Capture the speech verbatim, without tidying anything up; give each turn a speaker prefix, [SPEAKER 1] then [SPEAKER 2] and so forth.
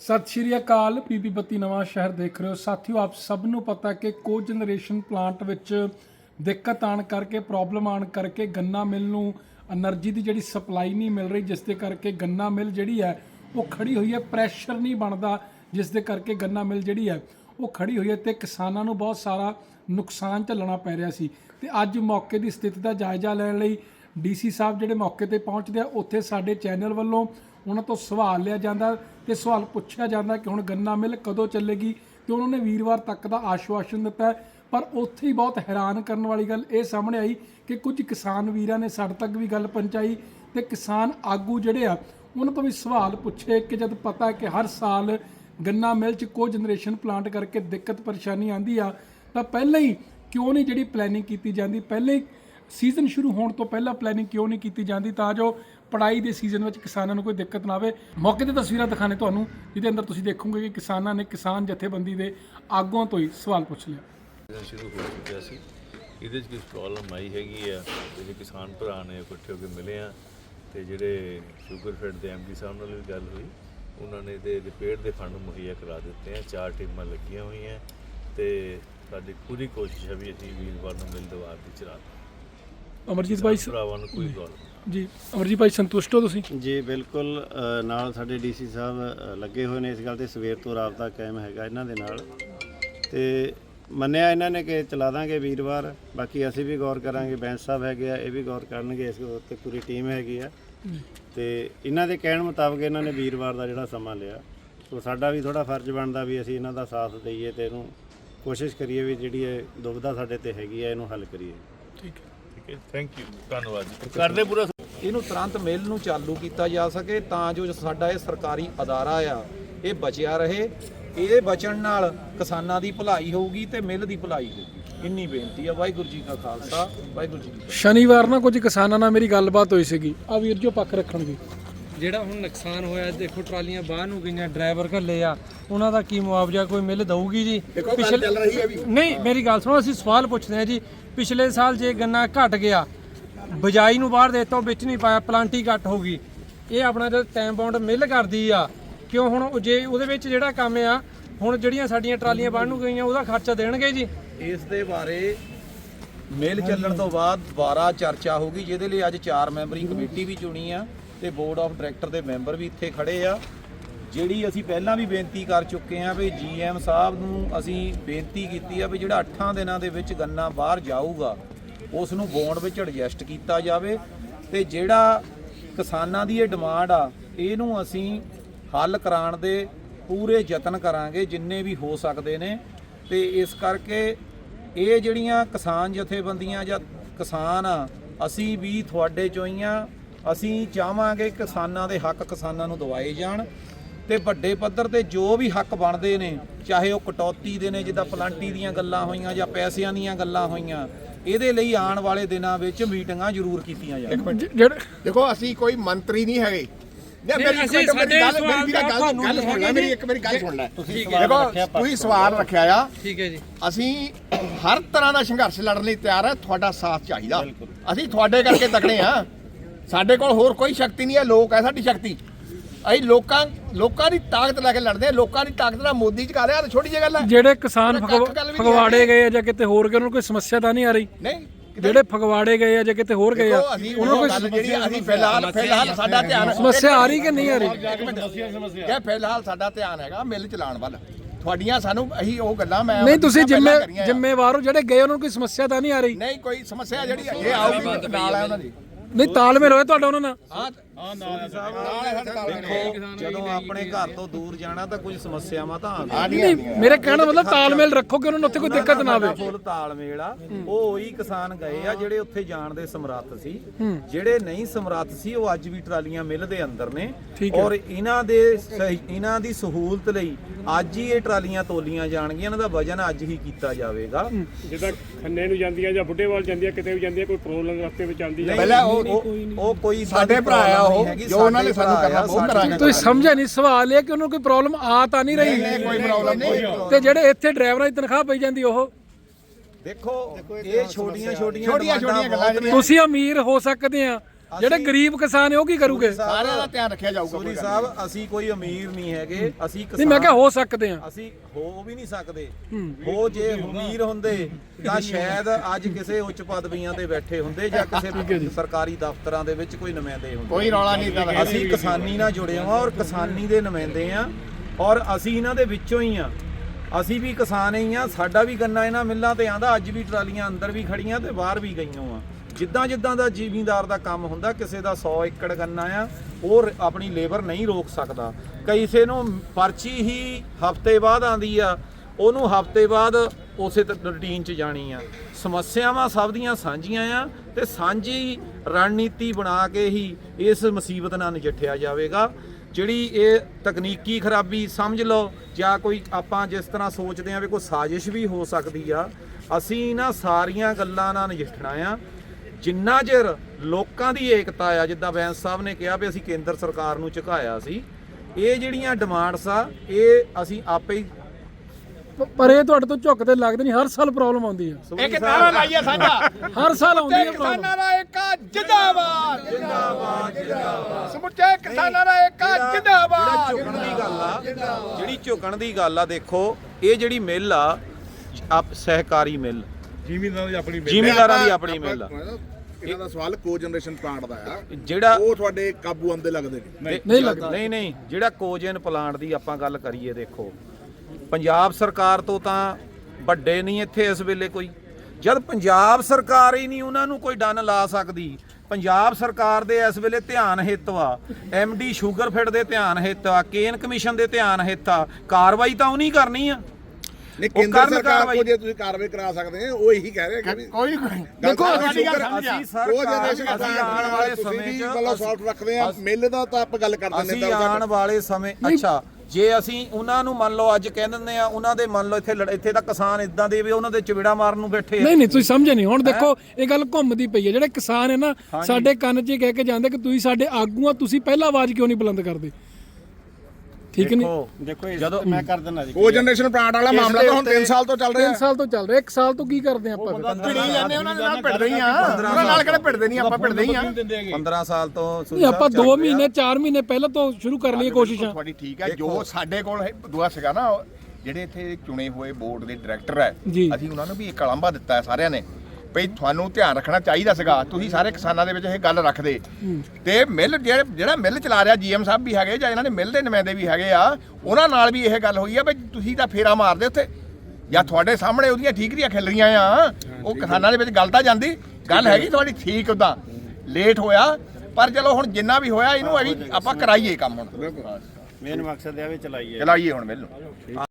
[SPEAKER 1] सत श्री अकाल पीपी बत्ती नवा शहर देख रहे हो साथियों। आप सब नूं पता कि को जनरेशन प्लांट विच दिक्कत आण करके प्रॉब्लम आण करके गन्ना मिल नूं एनर्जी की जिहड़ी सप्लाई नहीं मिल रही, जिस दे करके गन्ना मिल जिहड़ी है वो खड़ी हुई है। प्रैशर नहीं बनता जिस दे करके गन्ना मिल जिहड़ी है वो खड़ी हुई है ते किसानां नूं बहुत सारा नुकसान झੱਲਣਾ पै ਰਿਹਾ ਸੀ। ਤੇ ਅੱਜ मौके की स्थिति का जायजा लैण लई डी सी साहब ਜਿਹੜੇ मौके ते पहुंचदे आ उत्थे साडे चैनल ਵੱਲੋਂ ਉਹਨਾਂ ਤੋਂ ਸਵਾਲ ਲਿਆ ਜਾਂਦਾ ਤੇ ਸਵਾਲ ਪੁੱਛਿਆ ਜਾਂਦਾ ਕਿ ਹੁਣ ਗੰਨਾ ਮਿਲ ਕਦੋਂ ਚੱਲੇਗੀ ਤੇ ਉਹਨਾਂ ਨੇ ਵੀਰਵਾਰ ਤੱਕ ਦਾ ਆਸ਼ਵਾਸਨ ਦਿੱਤਾ। ਪਰ ਉੱਥੇ ਹੀ ਬਹੁਤ ਹੈਰਾਨ ਕਰਨ ਵਾਲੀ ਗੱਲ ਇਹ ਸਾਹਮਣੇ ਆਈ ਕਿ ਕੁਝ ਕਿਸਾਨ ਵੀਰਾਂ ਨੇ ਸਾਡੇ ਤੱਕ ਵੀ ਗੱਲ ਪਹੁੰਚਾਈ ਤੇ ਕਿਸਾਨ ਆਗੂ ਜਿਹੜੇ ਆ ਉਹਨਾਂ ਤੋਂ ਵੀ ਸਵਾਲ ਪੁੱਛੇ ਕਿ ਜਦ ਪਤਾ ਕਿ ਹਰ ਸਾਲ ਗੰਨਾ ਮਿਲ 'ਚ ਕੋ ਜਨਰੇਸ਼ਨ ਪਲਾਂਟ ਕਰਕੇ ਦਿੱਕਤ ਪਰੇਸ਼ਾਨੀ ਆਉਂਦੀ ਆ ਤਾਂ ਪਹਿਲਾਂ ਹੀ ਕਿਉਂ ਨਹੀਂ ਜਿਹੜੀ ਪਲੈਨਿੰਗ ਕੀਤੀ ਜਾਂਦੀ, ਪਹਿਲਾਂ ਹੀ ਸੀਜ਼ਨ शुरू होने तो पहला प्लैनिंग क्यों नहीं की जाती तां जो पढ़ाई के सीजन में किसानों को कोई दिक्कत ना आए। मौके की तस्वीरें दिखाने तुहानूं जिहदे अंदर तुसीं देखोगे कि किसानों ने किसान जथेबंदी के आगुआं तो ही सवाल पुछ लिया।
[SPEAKER 2] शुरू हो चुका सी ਇਹਦੇ 'ਚ कुछ प्रॉब्लम आई हैगी आ ਜਿਹੜੇ ਕਿਸਾਨ ਭਰਾ ਨੇ ਇਕੱਠੇ ਹੋ ਕੇ ਮਿਲੇ ਆ ਤੇ ਜਿਹੜੇ ਸ਼ੂਗਰਫੈਡ ਦੇ ਐਮਡੀ ਸਾਹਿਬ ਨਾਲ ਵੀ ਗੱਲ ਹੋਈ, ਉਹਨਾਂ ਨੇ ਤੇ ਰਿਪੇਅਰ ਦੇ ਫੰਡ ਮੁਹੱਈਆ ਕਰਾ ਦਿੱਤੇ ਆ। ਚਾਰ ਟੀਮਾਂ ਲੱਗੀਆਂ ਹੋਈਆਂ ਤੇ ਸਾਡੀ ਪੂਰੀ ਕੋਸ਼ਿਸ਼ ਹੈ ਵੀ ਅਸੀਂ ਵੀਰਵਾਰ ਨੂੰ ਮਿਲ ਦਵਾਰ ਦੀ ਚਲਾ
[SPEAKER 1] ਅਮਰਜੀਤ ਭਾਈ
[SPEAKER 2] ਭਰਾਵਾਂ ਨੂੰ ਕੋਈ ਪ੍ਰੋਬਲਮ
[SPEAKER 1] ਜੀ। ਅਮਰਜੀਤ ਭਾਈ ਸੰਤੁਸ਼ਟ ਹੋ ਤੁਸੀਂ?
[SPEAKER 3] ਜੀ ਬਿਲਕੁਲ, ਨਾਲ ਸਾਡੇ ਡੀਸੀ ਸਾਹਿਬ ਲੱਗੇ ਹੋਏ ਨੇ ਇਸ ਗੱਲ ਤੇ, ਸਵੇਰ ਤੋਂ ਰਾਬਤਾ ਕਾਇਮ ਹੈਗਾ ਇਹਨਾਂ ਦੇ ਨਾਲ ਤੇ ਮੰਨਿਆ ਇਹਨਾਂ ਨੇ ਕਿ ਚਲਾ ਦਾਂਗੇ ਵੀਰਵਾਰ। ਬਾਕੀ ਅਸੀਂ ਵੀ ਗੌਰ ਕਰਾਂਗੇ, ਬੈਂਸ ਸਾਹਿਬ ਹੈਗੇ ਆ, ਇਹ ਵੀ ਗੌਰ ਕਰਨਗੇ, ਇਸ ਉੱਤੇ ਪੂਰੀ ਟੀਮ ਹੈਗੀ ਆ ਤੇ ਇਹਨਾਂ ਦੇ ਕਹਿਣ ਮੁਤਾਬਕ ਇਹਨਾਂ ਨੇ ਵੀਰਵਾਰ ਦਾ ਜਿਹੜਾ ਸਮਾਂ ਲਿਆ। ਸੋ ਸਾਡਾ ਵੀ ਥੋੜਾ ਫਰਜ਼ ਬਣਦਾ ਵੀ ਅਸੀਂ ਇਹਨਾਂ ਦਾ ਸਾਥ ਦਈਏ ਤੇ ਇਹਨੂੰ ਕੋਸ਼ਿਸ਼ ਕਰੀਏ ਵੀ ਜਿਹੜੀ ਇਹ ਦੁਬਿਧਾ ਸਾਡੇ ਤੇ ਹੈਗੀ ਆ ਇਹਨੂੰ ਹੱਲ ਕਰੀਏ।
[SPEAKER 1] ਠੀਕ ਹੈ,
[SPEAKER 2] ਠੀਕ ਹੈ, ਥੈਂਕ ਯੂ, ਧੰਨਵਾਦ ਜੀ। ਕਰਦੇ ਪੂਰਾ
[SPEAKER 4] ਇਹਨੂੰ ਤੁਰੰਤ ਮਿਲ ਨੂੰ ਚਾਲੂ ਕੀਤਾ ਜਾ ਸਕੇ ਤਾਂ ਜੋ ਸਾਡਾ ਇਹ ਸਰਕਾਰੀ ਅਦਾਰਾ ਆ ਇਹ ਬਚਿਆ ਰਹੇ। ਇਹਦੇ ਬਚਣ ਨਾਲ ਕਿਸਾਨਾਂ ਦੀ ਭਲਾਈ ਹੋਊਗੀ ਤੇ ਮਿਲ ਦੀ ਭਲਾਈ ਹੋਊਗੀ। ਇੰਨੀ ਬੇਨਤੀ ਆ। ਵਾਹਿਗੁਰੂ ਜੀ ਕਾ ਖਾਲਸਾ, ਵਾਹਿਗੁਰੂ ਜੀ ਕੀ ਫਤਿਹ।
[SPEAKER 1] ਸ਼ਨੀਵਾਰ ਨਾ ਕੁਝ ਕਿਸਾਨਾਂ ਨਾਲ ਮੇਰੀ ਗੱਲਬਾਤ ਹੋਈ ਸੀਗੀ, ਆ ਵੀਰ ਜੋ ਪੱਖ ਰੱਖਣਗੇ।
[SPEAKER 5] ਜਿਹੜਾ ਹੁਣ ਨੁਕਸਾਨ ਹੋਇਆ ਦੇਖੋ, ਟਰਾਲੀਆਂ ਬਾਹਰ ਨੂੰ ਗਈਆਂ, ਡਰਾਈਵਰ ਘੱਲੇ ਆ, ਉਹਨਾਂ ਦਾ ਕੀ ਮੁਆਵਜ਼ਾ ਕੋਈ ਮਿਲ ਦਊਗੀ ਜੀ? ਪਿਛਲੇ ਨਹੀਂ, ਮੇਰੀ ਗੱਲ ਸੁਣੋ, ਅਸੀਂ ਸਵਾਲ ਪੁੱਛਦੇ ਹਾਂ ਜੀ। ਪਿਛਲੇ ਸਾਲ ਜੇ ਗੰਨਾ ਘਟ ਗਿਆ, ਬਜਾਈ ਨੂੰ ਬਾਹਰ ਦੇਤਾ, ਵਿੱਚ ਨਹੀਂ ਪਾਇਆ, ਪਲਾਂਟੀ ਘੱਟ ਹੋ ਗਈ, ਇਹ ਆਪਣਾ ਜਦ ਟਾਈਮ ਬਾਉਂਡ ਮਿਲ ਕਰਦੀ ਆ ਕਿਉਂ? ਹੁਣ ਜੇ ਉਹਦੇ ਵਿੱਚ ਜਿਹੜਾ ਕੰਮ ਆ, ਹੁਣ ਜਿਹੜੀਆਂ ਸਾਡੀਆਂ ਟਰਾਲੀਆਂ ਬਾਹਰ ਨੂੰ ਗਈਆਂ ਉਹਦਾ ਖਰਚਾ ਦੇਣਗੇ ਜੀ?
[SPEAKER 4] ਇਸ ਦੇ ਬਾਰੇ ਮਿਲ ਚੱਲਣ ਤੋਂ ਬਾਅਦ ਦੁਬਾਰਾ ਚਰਚਾ ਹੋਊਗੀ, ਜਿਹਦੇ ਲਈ ਅੱਜ ਚਾਰ ਮੈਂਬਰੀ ਕਮੇਟੀ ਵੀ ਚੁਣੀ ਆ ਤੇ ਬੋਰਡ ਆਫ ਡਾਇਰੈਕਟਰ ਦੇ ਮੈਂਬਰ ਵੀ ਇੱਥੇ ਖੜੇ ਆ। ਜਿਹੜੀ ਅਸੀਂ ਪਹਿਲਾਂ ਵੀ ਬੇਨਤੀ ਕਰ ਚੁੱਕੇ ਆ ਵੀ ਜੀ ਐਮ ਸਾਹਿਬ ਨੂੰ ਅਸੀਂ ਬੇਨਤੀ ਕੀਤੀ ਆ ਵੀ ਜਿਹੜਾ ਅੱਠਾਂ ਦਿਨਾਂ ਦੇ ਵਿੱਚ ਗੰਨਾ ਬਾਹਰ ਜਾਊਗਾ ਉਸ ਨੂੰ ਬੌਂਡ ਵਿੱਚ ਐਡਜਸਟ ਕੀਤਾ ਜਾਵੇ ਤੇ ਜਿਹੜਾ ਕਿਸਾਨਾਂ ਦੀ ਇਹ ਡਿਮਾਂਡ ਆ ਇਹਨੂੰ ਅਸੀਂ ਹੱਲ ਕਰਾਉਣ ਦੇ ਪੂਰੇ ਯਤਨ ਕਰਾਂਗੇ ਜਿੰਨੇ ਵੀ ਹੋ ਸਕਦੇ ਨੇ। ਤੇ ਇਸ ਕਰਕੇ ਇਹ ਜਿਹੜੀਆਂ ਕਿਸਾਨ ਜਥੇਬੰਦੀਆਂ ਜਾਂ ਕਿਸਾਨ ਆ, ਅਸੀਂ ਵੀ ਤੁਹਾਡੇ ਚੋਂ ਹੀ ਆ। ਅਸੀਂ ਚਾਹਾਂਗੇ ਕਿਸਾਨਾਂ ਦੇ ਹੱਕ ਕਿਸਾਨਾਂ ਨੂੰ ਦਿਵਾਏ ਜਾਣ ਤੇ ਵੱਡੇ ਪੱਧਰ ਤੇ ਜੋ ਵੀ ਹੱਕ ਬਣਦੇ ਨੇ, ਚਾਹੇ ਉਹ ਕਟੌਤੀ ਦੇ ਨੇ ਜਿੱਦਾਂ ਪਲਾਂਟੀ ਦੀਆਂ ਗੱਲਾਂ ਹੋਈਆਂ ਜਾਂ ਪੈਸਿਆਂ ਦੀਆਂ ਗੱਲਾਂ ਹੋਈਆਂ, ਇਹਦੇ ਲਈ ਆਉਣ ਵਾਲੇ ਦਿਨਾਂ ਵਿੱਚ ਮੀਟਿੰਗਾਂ ਜ਼ਰੂਰ ਕੀਤੀਆਂ ਜਾਣ।
[SPEAKER 1] ਜਿਹੜੇ
[SPEAKER 6] ਦੇਖੋ ਅਸੀਂ ਕੋਈ ਮੰਤਰੀ ਨਹੀਂ ਹੈਗੇ। ਮੇਰੀ ਇੱਕ ਮਿੰਟ ਮੇਰੀ ਗੱਲ ਮੇਰੀ ਗੱਲ ਗੱਲ ਸੁਣ ਲੈ, ਮੇਰੀ ਇੱਕ ਮੇਰੀ ਗੱਲ ਸੁਣ ਲੈ। ਤੁਸੀਂ ਦੇਖੋ ਤੁਸੀਂ ਸਵਾਲ ਰੱਖਿਆ ਆ,
[SPEAKER 5] ਠੀਕ ਹੈ ਜੀ।
[SPEAKER 6] ਅਸੀਂ ਹਰ ਤਰ੍ਹਾਂ ਦਾ ਸੰਘਰਸ਼ ਲੜਨ ਲਈ ਤਿਆਰ ਹੈ, ਤੁਹਾਡਾ ਸਾਥ ਚਾਹੀਦਾ। ਅਸੀਂ ਤੁਹਾਡੇ ਕਰਕੇ ਤਕੜੇ ਆ, ਸਾਡੇ ਕੋਲ ਹੋਰ ਕੋਈ ਸ਼ਕਤੀ ਨਹੀਂ ਹੈ, ਲੋਕ ਹੈ ਸਾਡੀ ਸ਼ਕਤੀ। ਅਸੀਂ ਲੋਕਾਂ ਲੋਕਾਂ ਦੀ ਤਾਕਤ ਲੈ ਕੇ ਲੜਦੇ ਆ। ਲੋਕਾਂ ਦੀ ਤਾਕਤ ਨਾਲ ਮੋਦੀ ਚਕਾ ਰਿਹਾ, ਛੋਟੀ ਜਿਹੀ ਗੱਲ ਹੈ।
[SPEAKER 1] ਜਿਹੜੇ ਕਿਸਾਨ ਫਗਵਾੜੇ ਗਏ ਆ ਜਾਂ ਕਿਤੇ ਹੋਰ ਗਏ, ਉਹਨਾਂ ਨੂੰ ਕੋਈ ਸਮੱਸਿਆ ਤਾਂ ਨਹੀਂ ਆ ਰਹੀ?
[SPEAKER 6] ਨਹੀਂ,
[SPEAKER 1] ਜਿਹੜੇ ਫਗਵਾੜੇ ਗਏ ਆ ਜਾਂ ਕਿਤੇ ਹੋਰ ਗਏ ਆ
[SPEAKER 6] ਉਹਨਾਂ ਨੂੰ ਕੋਈ ਜਿਹੜੀ ਅਸੀਂ ਫਿਲਹਾਲ ਫਿਲਹਾਲ ਸਾਡਾ ਧਿਆਨ
[SPEAKER 1] ਸਮੱਸਿਆ ਆ ਰਹੀ ਕਿ ਨਹੀਂ ਆ ਰਹੀ?
[SPEAKER 6] ਕਿ ਫਿਲਹਾਲ ਸਾਡਾ ਧਿਆਨ ਹੈਗਾ ਮਿਲ ਚਲਾਉਣ ਵੱਲ। ਤੁਹਾਡੀਆਂ ਸਾਨੂੰ ਅਸੀਂ ਉਹ ਗੱਲਾਂ ਮੈਂ
[SPEAKER 1] ਨਹੀਂ, ਤੁਸੀਂ ਜਿੰਮੇ ਜ਼ਿੰਮੇਵਾਰ ਹੋ, ਜਿਹੜੇ ਗਏ ਉਹਨਾਂ ਨੂੰ ਕੋਈ ਸਮੱਸਿਆ ਤਾਂ ਨਹੀਂ ਆ ਰਹੀ?
[SPEAKER 6] ਨਹੀਂ, ਕੋਈ ਸਮੱਸਿਆ ਜਿਹੜੀ ਇਹ ਆਊਗੀ ਨਾਲ ਹੈ ਉਹਨਾਂ ਦੀ।
[SPEAKER 1] ਨਹੀਂ, ਤਾਲਮੇਲ ਹੋਇਆ ਤੁਹਾਡਾ ਉਹਨਾਂ ਨਾਲ?
[SPEAKER 4] ਹਾਂ ਦੇਖੋ, ਜਦੋਂ ਆਪਣੇ ਘਰ ਤੋਂ ਦੂਰ ਜਾਣਾ ਤਾਂ ਕੁਝ ਸਮੱਸਿਆਵਾਂ ਤਾਂ ਆਉਂਦੀਆਂ।
[SPEAKER 1] ਨਹੀਂ, ਮੇਰੇ ਕਹਿਣ ਦਾ ਮਤਲਬ ਤਾਲਮੇਲ ਰੱਖੋ ਕਿ ਉਹਨਾਂ ਨੂੰ ਉੱਥੇ ਕੋਈ ਦਿੱਕਤ ਨਾ ਆਵੇ।
[SPEAKER 4] ਫੁੱਲ ਤਾਲਮੇਲ ਆ। ਉਹ ਉਹੀ ਕਿਸਾਨ ਗਏ ਆ ਜਿਹੜੇ ਉੱਥੇ ਜਾਣ ਦੇ ਸਮਰੱਥ ਸੀ, ਜਿਹੜੇ ਨਹੀਂ ਸਮਰੱਥ ਸੀ ਉਹ ਅੱਜ ਵੀ ਟਰਾਲੀਆਂ ਮਿਲ ਦੇ ਅੰਦਰ ਨੇ। ਔਰ ਇਹਨਾਂ ਦੇ ਇਹਨਾਂ ਦੀ ਸਹੂਲਤ ਲਈ ਅੱਜ ਹੀ ਇਹ ਟਰਾਲੀਆਂ ਤੋਲੀਆਂ ਜਾਣਗੀਆਂ, ਇਹਨਾਂ ਦਾ ਵਜਨ ਅੱਜ ਹੀ ਕੀਤਾ ਜਾਵੇਗਾ।
[SPEAKER 7] ਜਿੱਦਾਂ ਖੰਨੇ ਨੂੰ ਜਾਂਦੀਆਂ ਜਾਂ ਬੁੱਢੇਵਾਲ ਜਾਂਦੀਆਂ, ਕਿਤੇ ਵੀ ਜਾਂਦੀਆਂ, ਕੋਈ ਪ੍ਰੋਬਲਮ ਰਸਤੇ ਵਿੱਚ ਆਉਂਦੀ ਹੈ
[SPEAKER 6] ਪਹਿਲਾਂ ਉਹ
[SPEAKER 4] ਉਹ ਕੋਈ
[SPEAKER 6] ਸਾਡੇ ਭਰਾ ਆ, ਉਹ ਜੋ ਉਹਨਾਂ ਨੇ ਸਾਨੂੰ ਕਰਨਾ ਉਹ ਕਰਾਂਗੇ।
[SPEAKER 1] ਤੁਸੀਂ ਸਮਝਿਆ ਨਹੀਂ ਸਵਾਲ ਇਹ ਕਿ ਉਹਨਾਂ ਨੂੰ ਕੋਈ ਪ੍ਰੋਬਲਮ ਆ ਤਾਂ ਨਹੀਂ ਰਹੀ?
[SPEAKER 6] ਕੋਈ ਪ੍ਰੋਬਲਮ ਨਹੀਂ।
[SPEAKER 1] ਤੇ ਜਿਹੜੇ ਇੱਥੇ ਡਰਾਈਵਰਾਂ ਦੀ ਤਨਖਾਹ ਪਈ ਜਾਂਦੀ ਉਹ
[SPEAKER 4] ਦੇਖੋ, ਇਹ ਛੋਟੀਆਂ ਛੋਟੀਆਂ
[SPEAKER 6] ਛੋਟੀਆਂ ਛੋਟੀਆਂ ਗੱਲਾਂ।
[SPEAKER 1] ਤੁਸੀਂ ਅਮੀਰ ਹੋ ਸਕਦੇ ਆ ਜਿਹੜੇ ਗਰੀਬ ਕਿਸਾਨ ਨੇ ਉਹ ਕੀ ਕਰੂਗੇ?
[SPEAKER 6] ਸਾਰਿਆਂ ਦਾ ਧਿਆਨ ਰੱਖਿਆ ਜਾਊਗਾ।
[SPEAKER 4] ਸੂਰੀ ਸਾਹਿਬ ਅਸੀਂ ਕੋਈ ਅਮੀਰ ਨਹੀਂ ਹੈਗੇ, ਅਸੀਂ
[SPEAKER 1] ਨਹੀਂ ਮੈਂ ਕਿਹਾ ਹੋ ਸਕਦੇ ਆ।
[SPEAKER 4] ਅਸੀਂ ਹੋ ਵੀ ਨਹੀਂ ਸਕਦੇ। ਹੋ ਜੇ ਅਮੀਰ ਹੁੰਦੇ ਤਾਂ ਸ਼ਾਇਦ ਅੱਜ ਕਿਸੇ ਉੱਚ ਪਦਵੀਆਂ ਤੇ ਬੈਠੇ ਹੁੰਦੇ ਜਾਂ ਕਿਸੇ ਸਰਕਾਰੀ ਦਫ਼ਤਰਾਂ ਦੇ ਵਿੱਚ ਕੋਈ ਨੁਮਾਇੰਦੇ ਹੁੰਦੇ।
[SPEAKER 6] ਕੋਈ ਰੌਲਾ ਨਹੀਂ ਤਾਂ
[SPEAKER 4] ਅਸੀਂ ਕਿਸਾਨੀ ਨਾਲ ਜੁੜੇ ਹਾਂ ਔਰ ਕਿਸਾਨੀ ਦੇ ਨੁਮਾਇੰਦੇ ਆ ਔਰ ਅਸੀਂ ਇਹਨਾਂ ਦੇ ਵਿੱਚੋਂ ਹੀ ਆ। ਅਸੀਂ ਵੀ ਕਿਸਾਨ ਹੀ ਆ। ਸਾਡਾ ਵੀ ਗੰਨਾ ਇਹਨਾਂ ਮਿੱਲਾਂ ਤੇ ਆਂਦਾ। ਅੱਜ ਵੀ ਟਰਾਲੀਆਂ ਅੰਦਰ ਵੀ ਖੜੀਆਂ ਤੇ ਬਾਹਰ ਵੀ ਗਈਆਂ ਆ। ਜਿੱਦਾਂ ਜਿੱਦਾਂ ਦਾ ਜ਼ਿਮੀਂਦਾਰ ਦਾ ਕੰਮ ਹੁੰਦਾ, ਕਿਸੇ ਦਾ ਸੌ ਏਕੜ ਗੰਨਾ ਆ, ਉਹ ਆਪਣੀ ਲੇਬਰ ਨਹੀਂ ਰੋਕ ਸਕਦਾ। ਕਿਸੇ ਨੂੰ ਪਰਚੀ ਹੀ ਹਫ਼ਤੇ ਬਾਅਦ ਆਂਦੀ ਆ, ਉਹਨੂੰ ਹਫ਼ਤੇ ਬਾਅਦ ਉਸੇ ਰੂਟੀਨ 'ਚ ਜਾਣੀ ਆ। ਸਮੱਸਿਆਵਾਂ ਸਭ ਦੀਆਂ ਸਾਂਝੀਆਂ ਆ ਤੇ ਸਾਂਝੀ ਰਣਨੀਤੀ ਬਣਾ ਕੇ ਹੀ ਇਸ ਮੁਸੀਬਤ ਨਾਲ ਨਜਿੱਠਿਆ ਜਾਵੇਗਾ। ਜਿਹੜੀ ਇਹ ਤਕਨੀਕੀ ਖਰਾਬੀ ਸਮਝ ਲਓ ਜਾਂ ਕੋਈ ਆਪਾਂ ਜਿਸ ਤਰ੍ਹਾਂ ਸੋਚਦੇ ਆ ਵੀ ਕੋਈ ਸਾਜ਼ਿਸ਼ ਵੀ ਹੋ ਸਕਦੀ ਆ, ਅਸੀਂ ਇਹਨਾਂ ਸਾਰੀਆਂ ਗੱਲਾਂ ਨਾਲ ਨਜਿੱਠਣਾ ਆ। ਜਿੰਨਾ ਚਿਰ ਲੋਕਾਂ ਦੀ ਏਕਤਾ ਆ, ਜਿੱਦਾਂ ਬੈਂਸ ਸਾਹਿਬ ਨੇ ਕਿਹਾ ਵੀ ਅਸੀਂ ਕੇਂਦਰ ਸਰਕਾਰ ਨੂੰ ਝੁਕਾਇਆ ਸੀ, ਇਹ ਜਿਹੜੀਆਂ ਡਿਮਾਂਡਸ ਆ ਇਹ ਅਸੀਂ ਆਪੇ ਹੀ।
[SPEAKER 1] ਪਰ ਇਹ ਤੁਹਾਡੇ ਤੋਂ ਝੁਕਦੇ ਲੱਗਦੇ ਨਹੀਂ, ਹਰ ਸਾਲ ਪ੍ਰੋਬਲਮ ਆਉਂਦੀ ਹੈ।
[SPEAKER 6] ਇੱਕ ਨਾਰਾ ਲਾਈਏ ਸਾਂਝਾ,
[SPEAKER 1] ਹਰ ਸਾਲ ਆਉਂਦੀ ਹੈ ਪ੍ਰੋਬਲਮ।
[SPEAKER 6] ਕਿਸਾਨਾਂ ਦਾ ਏਕਾ ਜਿੰਦਾਬਾਦ ਜਿੰਦਾਬਾਦ ਜਿੰਦਾਬਾਦ, ਸਮੁੱਚੇ ਕਿਸਾਨਾਂ ਦਾ ਏਕਾ ਜਿੰਦਾਬਾਦ।
[SPEAKER 4] ਝੁਕਣ ਦੀ ਗੱਲ ਆ, ਜਿਹੜੀ ਝੁਕਣ ਦੀ ਗੱਲ ਆ, ਦੇਖੋ ਇਹ ਜਿਹੜੀ ਮਿੱਲ ਆ ਆਪ ਸਹਿਕਾਰੀ ਮਿੱਲ,
[SPEAKER 8] ਜ਼ਿਮੀਂਦਾਰਾਂ ਦੀ ਆਪਣੀ
[SPEAKER 4] ਜ਼ਿਮੀਂਦਾਰਾਂ ਦੀ ਆਪਣੀ ਮਿੱਲ ਆ।
[SPEAKER 8] ਇਹਨਾਂ ਦਾ ਸਵਾਲ ਕੋ ਜਨਰੇਸ਼ਨ ਪਲਾਂਟ ਦਾ ਆ,
[SPEAKER 4] ਜਿਹੜਾ
[SPEAKER 8] ਉਹ ਤੁਹਾਡੇ ਕਾਬੂ ਆਂਦੇ ਲੱਗਦੇ ਨੇ?
[SPEAKER 1] ਨਹੀਂ ਲੱਗਦਾ।
[SPEAKER 4] ਨਹੀਂ ਨਹੀਂ ਜਿਹੜਾ ਕੋਜਨ ਪਲਾਂਟ ਦੀ ਆਪਾਂ ਗੱਲ ਕਰੀਏ, ਦੇਖੋ ਪੰਜਾਬ ਸਰਕਾਰ ਤੋਂ ਤਾਂ ਵੱਡੇ ਨਹੀਂ ਇੱਥੇ ਇਸ ਵੇਲੇ ਕੋਈ। ਜਦ ਪੰਜਾਬ ਸਰਕਾਰ ਹੀ ਨਹੀਂ ਉਹਨਾਂ ਨੂੰ ਕੋਈ ਡੰਨ ਲਾ ਸਕਦੀ, ਪੰਜਾਬ ਸਰਕਾਰ ਦੇ ਇਸ ਵੇਲੇ ਧਿਆਨ ਹਿੱਤ ਵਾ, ਐਮਡੀ ਸ਼ੂਗਰਫੈਡ ਦੇ ਧਿਆਨ ਹਿੱਤ ਆ, ਕੇਨ ਕਮਿਸ਼ਨ ਦੇ ਧਿਆਨ ਹਿੱਤ ਆ, ਕਾਰਵਾਈ ਤਾਂ ਉਹਨੀ ਕਰਨੀ ਆ।
[SPEAKER 8] ਨਹੀਂ,
[SPEAKER 4] ਉਹ
[SPEAKER 8] ਕੇਂਦਰ
[SPEAKER 4] ਕਰਨ
[SPEAKER 8] ਸਰਕਾਰ
[SPEAKER 4] ਕਾਰਵਾਈ।
[SPEAKER 8] ਕੋ ਜੇ ਤੁਸੀਂ ਕਾਰਵਾਈ ਕਰਾ ਸਕਦੇ ਹੋ, ਉਹ ਇਹੀ ਕਹਿ ਰਹੇ ਕਿ
[SPEAKER 6] ਕੋਈ
[SPEAKER 8] ਦੇਖੋ
[SPEAKER 4] ਅਸੀਂ
[SPEAKER 8] ਉਹ
[SPEAKER 4] ਸਰਕਾਰ
[SPEAKER 8] ਜਨਰੇਸ਼ਨ
[SPEAKER 4] ਅਸੀਂ ਆਉਣ ਵਾਲੇ
[SPEAKER 8] ਤੁਸੀਂ
[SPEAKER 4] ਸਮੇਂ
[SPEAKER 8] ਵੀ
[SPEAKER 4] 'ਚ
[SPEAKER 8] ਮਤਲਬ ਸੌਫਟ ਰੱਖਦੇ ਆ, ਮਿਲ ਦਾ ਤਾਂ ਆਪਾਂ ਗੱਲ ਕਰਦੇ
[SPEAKER 4] ਅਸੀਂ
[SPEAKER 8] ਨੇ
[SPEAKER 4] ਆਉਣ ਵਾਲੇ ਸਮੇਂ ਅੱਛਾ ਜੇ ਅਸੀਂ ਉਹਨਾਂ ਨੂੰ ਮੰਨ ਲਓ ਅੱਜ ਕਹਿ ਦਿੰਦੇ ਆ, ਉਹਨਾਂ ਦੇ ਮੰਨ ਲਓ ਇੱਥੇ ਲੜ- ਇੱਥੇ ਤਾਂ ਕਿਸਾਨ ਇਦਾਂ ਦੇ ਵੀ ਉਹਨਾਂ ਦੇ ਚਿਵੜਾ ਮਾਰਨ ਨੂੰ ਬੈਠੇ ਆ।
[SPEAKER 1] ਨਹੀਂ ਨਹੀਂ ਤੁਸੀਂ ਸਮਝੇ ਨਹੀਂ। ਹੁਣ ਦੇਖੋ ਇਹ ਗੱਲ ਘੁੰਮਦੀ ਪਈ ਹੈ। ਜਿਹੜੇ ਕਿਸਾਨ ਹੈ ਨਾ ਸਾਡੇ ਕੰਨ 'ਚ ਹੀ ਕਹਿ ਕੇ ਜਾਂਦੇ ਕਿ ਤੁਸੀਂ ਸਾਡੇ ਆਗੂ ਆ, ਤੁਸੀਂ ਪਹਿਲਾਂ ਆਵਾਜ਼ ਕਿਉਂ ਨਹੀਂ ਬੁਲੰਦ ਕਰਦੇ? ਠੀਕ ਨਹੀਂ?
[SPEAKER 4] ਦੇਖੋ
[SPEAKER 3] ਦੇਖੋ ਜਦੋਂ ਮੈਂ ਕਰ ਦਿੰਦਾ ਜੀ
[SPEAKER 8] ਕੋ ਜਨਰੇਸ਼ਨ ਪਲਾਂਟ ਵਾਲਾ ਮਾਮਲਾ ਤਾਂ ਹੁਣ ਤਿੰਨ ਸਾਲ ਤੋਂ ਚੱਲ ਰਿਹਾ।
[SPEAKER 1] ਤਿੰਨ ਸਾਲ ਤੋਂ ਚੱਲ ਰਿਹਾ। ਇੱਕ ਸਾਲ ਤੋਂ ਕੀ ਕਰਦੇ ਆਪਾਂ ਫਿਰ?
[SPEAKER 6] ਭਿੜੀ ਜਾਂਦੇ, ਉਹਨਾਂ ਦੇ ਨਾਲ ਭਿੜਦੇ ਹੀ ਆ। ਉਹਨਾਂ ਨਾਲ ਕਿਹੜੇ ਭਿੜਦੇ ਨਹੀਂ, ਆਪਾਂ ਭਿੜਦੇ ਹੀ ਆ।
[SPEAKER 4] ਪੰਦਰਾਂ ਸਾਲ ਤੋਂ
[SPEAKER 1] ਨਹੀਂ ਆਪਾਂ ਦੋ ਮਹੀਨੇ ਚਾਰ ਮਹੀਨੇ ਪਹਿਲਾਂ ਤੋਂ ਸ਼ੁਰੂ ਕਰ ਲਈਏ ਕੋਸ਼ਿਸ਼ਾਂ।
[SPEAKER 6] ਤੁਹਾਡੀ ਠੀਕ ਹੈ। ਜੋ ਸਾਡੇ ਕੋਲ ਹੈ ਦੁਆ ਸੀਗਾ ਨਾ, ਜਿਹੜੇ ਇੱਥੇ ਚੁਣੇ ਹੋਏ ਬੋਰਡ ਦੇ ਡਾਇਰੈਕਟਰ ਹੈ,
[SPEAKER 1] ਜੀ।
[SPEAKER 6] ਅਸੀਂ ਉਹਨਾਂ ਨੂੰ ਵੀ ਇੱਕ ਅਲਾਂਭਾ ਦਿੱਤਾ ਹੈ ਸਾਰਿਆਂ ਨੇ ਭਈ ਤੁਹਾਨੂੰ ਧਿਆਨ ਰੱਖਣਾ ਚਾਹੀਦਾ ਸੀਗਾ। ਤੁਸੀਂ ਸਾਰੇ ਕਿਸਾਨਾਂ ਦੇ ਵਿੱਚ ਇਹ ਗੱਲ ਰੱਖਦੇ ਤੇ ਮਿੱਲ ਜਿਹੜੇ ਜਿਹੜਾ ਮਿੱਲ ਚਲਾ ਰਿਹਾ ਜੀਐਮ ਸਾਹਿਬ ਵੀ ਹੈਗੇ ਜਾਂ ਇਹਨਾਂ ਦੇ ਮਿੱਲ ਦੇ ਨੁਮਾਇੰਦੇ ਵੀ ਹੈਗੇ ਆ, ਉਹਨਾਂ ਨਾਲ ਵੀ ਇਹ ਗੱਲ ਹੋਈ ਆ ਵੀ ਤੁਸੀਂ ਤਾਂ ਫੇਰਾ ਮਾਰਦੇ ਉੱਥੇ ਜਾਂ ਤੁਹਾਡੇ ਸਾਹਮਣੇ ਉਹਦੀਆਂ ਠੀਕਰੀਆਂ ਖਿਲ ਰਹੀਆਂ ਆ। ਉਹ ਕਿਸਾਨਾਂ ਦੇ ਵਿੱਚ ਗੱਲ ਤਾਂ ਜਾਂਦੀ ਗੱਲ ਹੈਗੀ ਤੁਹਾਡੀ ਠੀਕ। ਉਦਾਂ ਲੇਟ ਹੋਇਆ ਪਰ ਚਲੋ ਹੁਣ ਜਿੰਨਾ ਵੀ ਹੋਇਆ ਇਹਨੂੰ ਅਸੀਂ ਆਪਾਂ ਕਰਾਈਏ ਕੰਮ। ਹੁਣ
[SPEAKER 3] ਮੇਨ ਮਕਸਦ ਇਹ ਆ ਵੀ ਚਲਾਈਏ
[SPEAKER 6] ਚਲਾਈਏ ਹੁਣ ਮਿੱਲ ਨੂੰ।